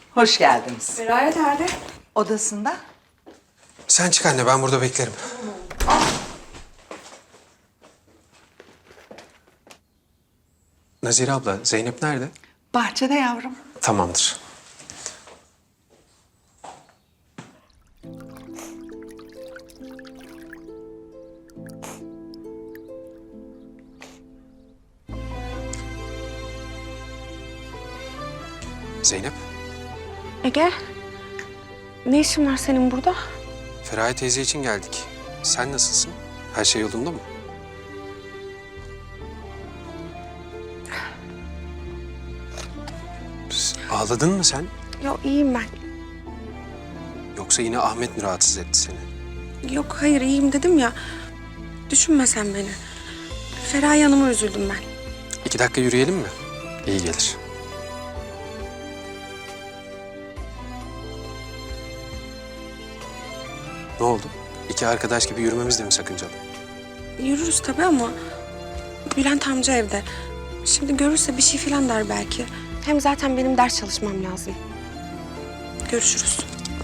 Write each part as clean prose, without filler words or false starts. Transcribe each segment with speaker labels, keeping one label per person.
Speaker 1: Hoş geldiniz.
Speaker 2: Feraye nerede?
Speaker 1: Odasında.
Speaker 3: Sen çık anne, ben burada beklerim. Nazire abla, Zeynep nerede?
Speaker 1: Bahçede yavrum.
Speaker 3: Tamamdır. Zeynep,
Speaker 2: Ege, ne işin var senin burada?
Speaker 3: Feraye teyze için geldik. Sen nasılsın? Her şey yolunda mı? Ağladın mı sen?
Speaker 2: Yok iyiyim ben.
Speaker 3: Yoksa yine Ahmet mi rahatsız etti seni?
Speaker 2: Yok hayır iyiyim dedim ya. Düşünme sen beni. Feraye Hanım'a üzüldüm ben.
Speaker 3: 2 dakika yürüyelim mi? İyi gelir. Ne oldu? 2 arkadaş gibi yürümemiz de mi sakıncalı?
Speaker 2: Yürürüz tabii ama Bülent amca evde. Şimdi görürse bir şey falan der belki. Hem zaten benim ders çalışmam lazım. Görüşürüz.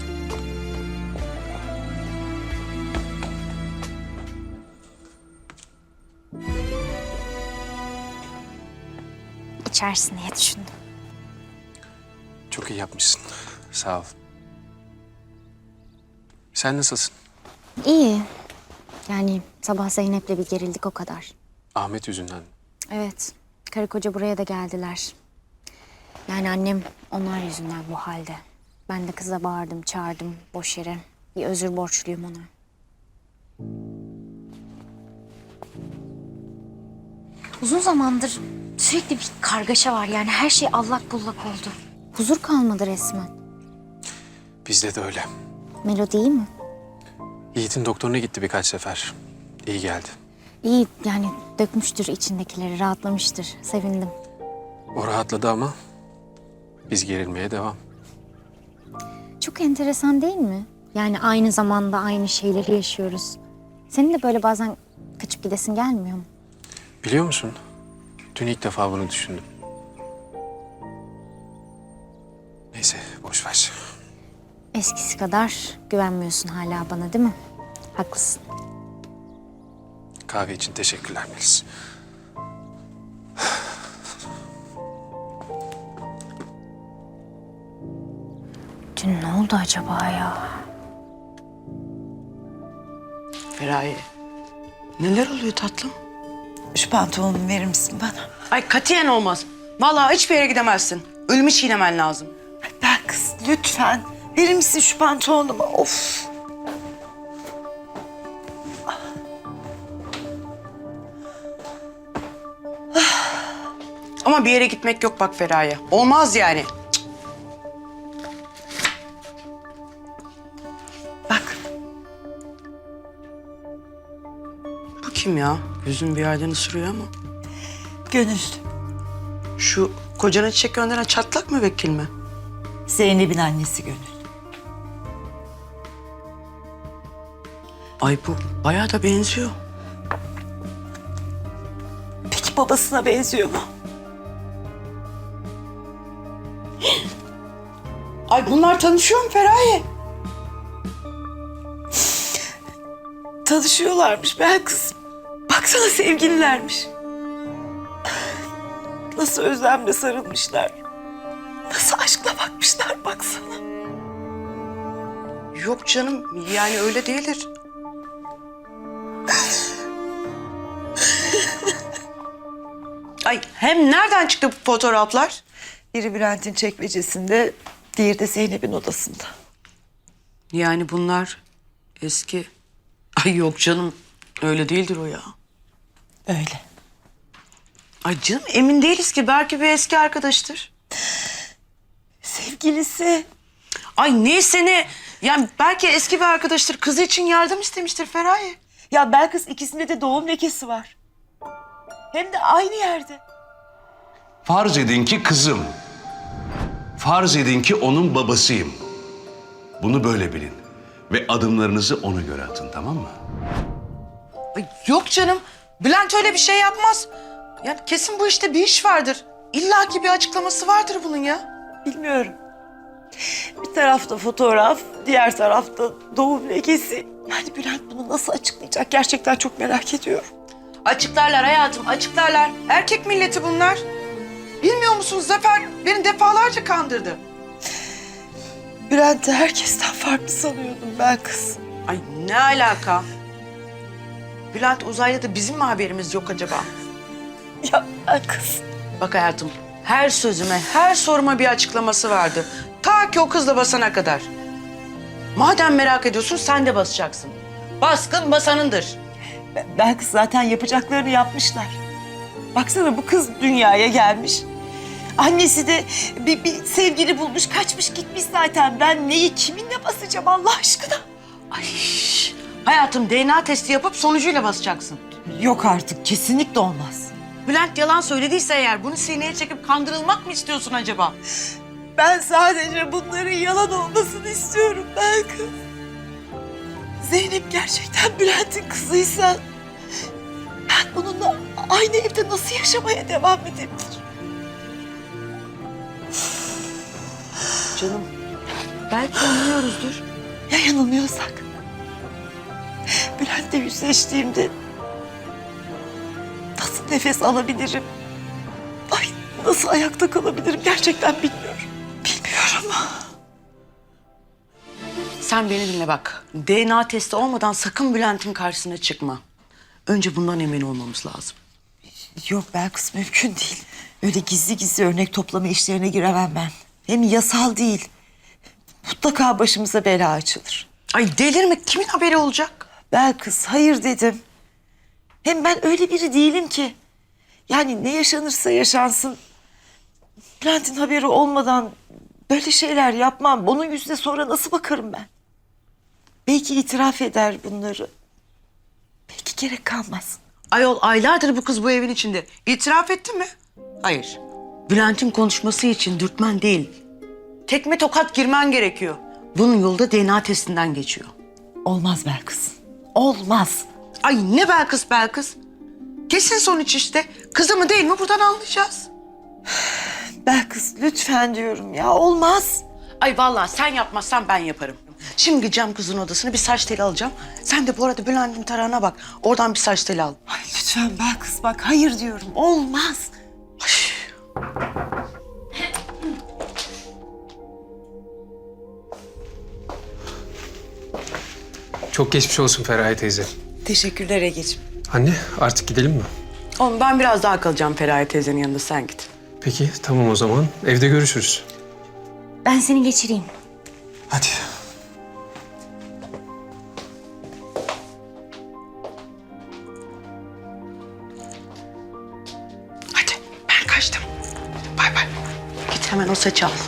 Speaker 4: İçersin diye düşündüm.
Speaker 3: Çok iyi yapmışsın. Sağ ol. Sen nasılsın?
Speaker 4: İyi. Yani sabah Zeynep'le bir gerildik o kadar.
Speaker 3: Ahmet yüzünden.
Speaker 4: Evet. Karı koca buraya da geldiler. Yani annem onlar yüzünden bu halde. Ben de kıza bağırdım, çağırdım boş yere. Bir özür borçluyum ona. Uzun zamandır sürekli bir kargaşa var. Yani her şey allak bullak oldu. Huzur kalmadı resmen.
Speaker 3: Bizde de öyle.
Speaker 4: Melodi iyi mi?
Speaker 3: Yiğit'in doktoruna gitti birkaç sefer. İyi geldi.
Speaker 4: İyi yani dökmüştür içindekileri, rahatlamıştır. Sevindim.
Speaker 3: O rahatladı ama biz gerilmeye devam.
Speaker 4: Çok enteresan değil mi? Yani aynı zamanda aynı şeyleri yaşıyoruz. Senin de böyle bazen kaçıp gidesin gelmiyor mu?
Speaker 3: Biliyor musun? Dün ilk defa bunu düşündüm. Neyse, boş ver.
Speaker 4: Eskisi kadar güvenmiyorsun hala bana değil mi? Haklısın.
Speaker 3: Kahve için teşekkürler Melis.
Speaker 4: Dün ne oldu acaba ya?
Speaker 5: Feraye, neler oluyor tatlım?
Speaker 6: Şu pantolonumu verir misin bana?
Speaker 5: Ay katiyen olmaz. Vallahi hiçbir yere gidemezsin. Ölümü çiğnemen lazım.
Speaker 6: Ben kız lütfen verir misin şu pantolonumu? Of.
Speaker 5: Ama bir yere gitmek yok bak Feraye. Olmaz yani.
Speaker 6: Bak
Speaker 5: Bu kim ya? Gözüm bir yerden ısırıyor ama.
Speaker 6: Gönül.
Speaker 5: Şu kocana çiçek gönderen çatlak mı vekil mi?
Speaker 6: Zeynep'in annesi Gönül.
Speaker 5: Ay bu bayağı da benziyor.
Speaker 6: Peki babasına benziyor mu?
Speaker 5: Ay bunlar tanışıyor mu Feraye?
Speaker 6: Tanışıyorlarmış ben kız. Baksana sevgililermiş. Nasıl özlemle sarılmışlar. Nasıl aşkla bakmışlar baksana.
Speaker 5: Yok canım yani öyle değildir. Ay hem nereden çıktı bu fotoğraflar?
Speaker 6: Biri Bülent'in çekmecesinde, diğeri de Zeynep'in odasında.
Speaker 5: Yani bunlar eski... Ay yok canım öyle değildir o ya.
Speaker 6: Öyle.
Speaker 5: Ay canım emin değiliz ki belki bir eski arkadaştır.
Speaker 6: Sevgilisi.
Speaker 5: Ay neyse ne yani belki eski bir arkadaştır kızı için yardım istemiştir Feraye.
Speaker 6: Ya Belkıs ikisinde de doğum lekesi var. Hem de aynı yerde.
Speaker 7: Farz edin ki kızım. Farz edin ki onun babasıyım. Bunu böyle bilin. Ve adımlarınızı ona göre atın, tamam mı?
Speaker 5: Ay yok canım Bülent öyle bir şey yapmaz. Yani kesin bu işte bir iş vardır. İlla ki bir açıklaması vardır bunun ya.
Speaker 6: Bilmiyorum. Bir tarafta fotoğraf, diğer tarafta doğum lekesi. Yani Bülent bunu nasıl açıklayacak? Gerçekten çok merak ediyorum.
Speaker 5: Açıklarlar hayatım, açıklarlar. Erkek milleti bunlar. Bilmiyor musunuz Zafer? Beni defalarca kandırdı.
Speaker 6: Bülent'i herkesten farklı sanıyordum ben kız.
Speaker 5: Ay ne alaka? Bülent uzaylı da bizim mi haberimiz yok acaba?
Speaker 6: Ya ben kız.
Speaker 5: Bak hayatım, her sözüme, her soruma bir açıklaması vardı. Ta ki o kızla basana kadar. Madem merak ediyorsun sen de basacaksın. Baskın basanındır.
Speaker 6: Ben kız zaten yapacaklarını yapmışlar. Baksana bu kız dünyaya gelmiş. Annesi de bir sevgili bulmuş, kaçmış gitmiş zaten. Ben neyi kiminle basacağım Allah aşkına?
Speaker 5: Ay hayatım DNA testi yapıp sonucuyla basacaksın.
Speaker 6: Yok artık, kesinlikle olmaz.
Speaker 5: Bülent yalan söylediyse eğer bunu sineye çekip kandırılmak mı istiyorsun acaba?
Speaker 6: Ben sadece bunların yalan olmasını istiyorum ben kız. Zeynep gerçekten Bülent'in kızıysa... ben bununla aynı evde nasıl yaşamaya devam edebilirim?
Speaker 5: Canım belki anlıyoruzdur.
Speaker 6: Ya yanılmıyorsak? Bülent'le yüzleştiğimde... nasıl nefes alabilirim? Ay nasıl ayakta kalabilirim gerçekten bilmiyorum. Bilmiyorum.
Speaker 5: Sen beni dinle bak. DNA testi olmadan sakın Bülent'in karşısına çıkma. Önce bundan emin olmamız lazım.
Speaker 6: Yok Belkıs, mümkün değil. Öyle gizli gizli örnek toplama işlerine giremem ben. Hem yasal değil. Mutlaka başımıza bela açılır.
Speaker 5: Ay delirme, kimin haberi olacak?
Speaker 6: Belkıs hayır dedim. Hem ben öyle biri değilim ki. Yani ne yaşanırsa yaşansın. Bülent'in haberi olmadan böyle şeyler yapmam. Onun yüzüne sonra nasıl bakarım ben? Belki itiraf eder bunları. Belki gerek kalmaz.
Speaker 5: Ayol aylardır bu kız bu evin içinde. İtiraf etti mi? Hayır. Bülent'in konuşması için dürtmen değil. Tekme tokat girmen gerekiyor. Bunun yolu da DNA testinden geçiyor.
Speaker 6: Olmaz Belkıs. Olmaz.
Speaker 5: Ay ne Belkıs Belkıs. Kesin sonuç işte. Kızı mı değil mi buradan anlayacağız.
Speaker 6: Belkıs lütfen diyorum ya, olmaz.
Speaker 5: Ay vallahi sen yapmazsan ben yaparım. Şimdi gideceğim kızın odasına bir saç teli alacağım. Sen de bu arada Bülent'in tarağına bak. Oradan bir saç teli al.
Speaker 6: Ay lütfen Belkıs bak, hayır diyorum, olmaz.
Speaker 3: Çok geçmiş olsun Feraye teyze.
Speaker 6: Teşekkürler Egeciğim.
Speaker 3: Anne artık gidelim mi?
Speaker 5: Oğlum ben biraz daha kalacağım Feraye teyzenin yanında, sen git.
Speaker 3: Peki tamam o zaman. Evde görüşürüz.
Speaker 4: Ben seni geçireyim.
Speaker 3: Hadi.
Speaker 5: Hadi ben kaçtım. Bay bay. Git hemen o saçı al.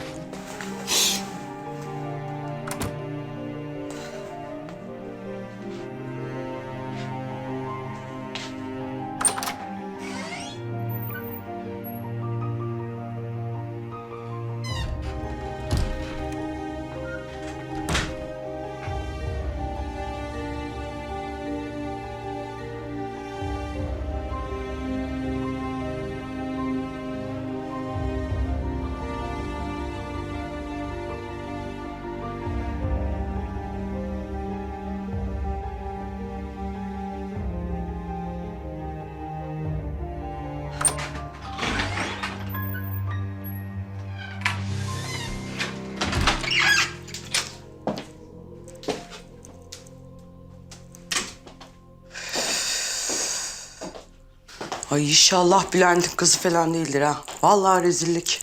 Speaker 5: Ay inşallah Bülent'in kızı falan değildir ha. Vallahi rezillik.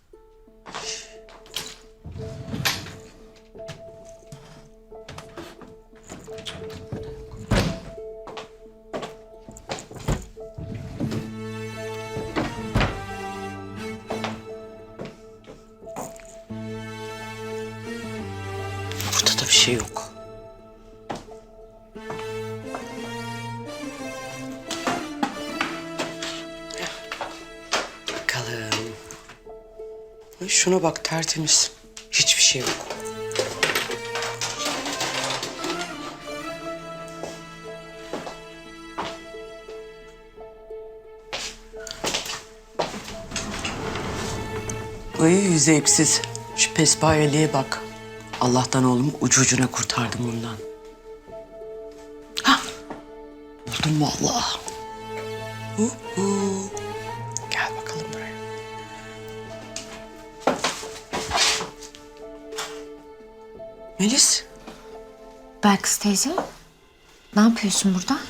Speaker 5: Burada da bir şey yok. Bakalım. Ay şuna bak, tertemiz. Hiçbir şey yok. Ay zevksiz. Şu pespayeliğe bak. Allah'tan oğlumu ucu ucuna kurtardım bundan. Hah. Buldum vallahi. Gel bakalım buraya. Melis.
Speaker 4: Belkıs teyze, ne yapıyorsun burada?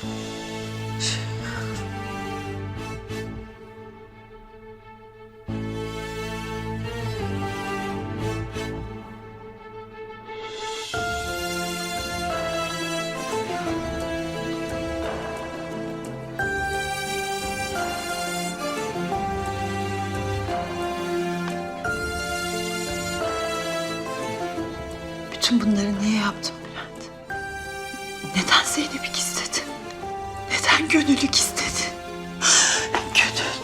Speaker 1: Bütün bunları niye yaptın Bülent? Neden Zeynep'i istedin? Neden gönüllük istedin? Gönül.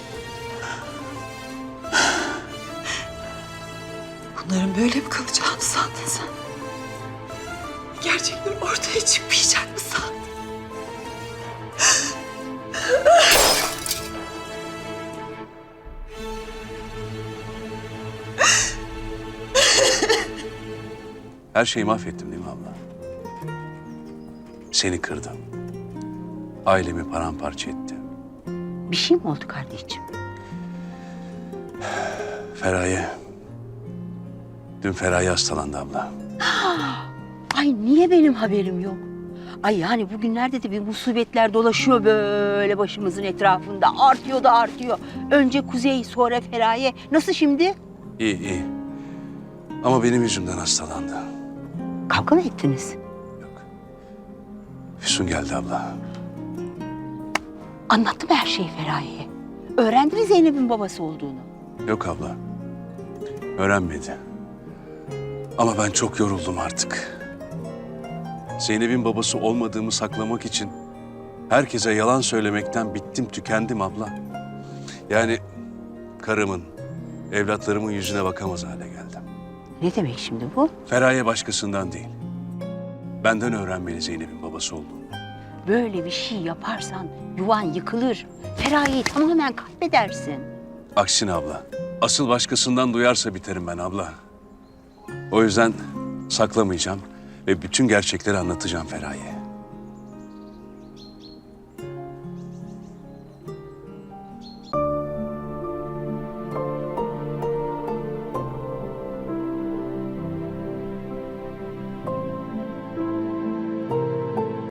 Speaker 1: Bunların böyle mi kalacağını sandın sen? Gerçekler ortaya çıkmayacak mı sandın?
Speaker 7: Her şeyi mahvettim değil mi abla? Seni kırdım. Ailemi paramparça ettim.
Speaker 8: Bir şey mi oldu kardeşim?
Speaker 7: Feraye. Dün Feraye hastalandı abla.
Speaker 8: Ay niye benim haberim yok? Ay yani bugünlerde de bir musibetler dolaşıyor böyle başımızın etrafında. Artıyor da artıyor. Önce Kuzey, sonra Feraye. Nasıl şimdi?
Speaker 7: İyi iyi. Ama benim yüzümden hastalandı.
Speaker 8: Kavga mı ettiniz?
Speaker 7: Yok. Füsun geldi abla.
Speaker 8: Anlattı mı her şeyi Feraye'ye? Öğrendi mi Zeynep'in babası olduğunu?
Speaker 7: Yok abla. Öğrenmedi. Ama ben çok yoruldum artık. Zeynep'in babası olmadığımı saklamak için herkese yalan söylemekten bittim, tükendim abla. Yani karımın, evlatlarımın yüzüne bakamaz hale geldim.
Speaker 8: Ne demek şimdi bu?
Speaker 7: Feraye başkasından değil. Benden öğrenmeli Zeynep'in babası olduğunu.
Speaker 8: Böyle bir şey yaparsan yuvan yıkılır. Feraye'yi tamamen kaybedersin.
Speaker 7: Aksine abla. Asıl başkasından duyarsa biterim ben abla. O yüzden saklamayacağım ve bütün gerçekleri anlatacağım Feraye'ye.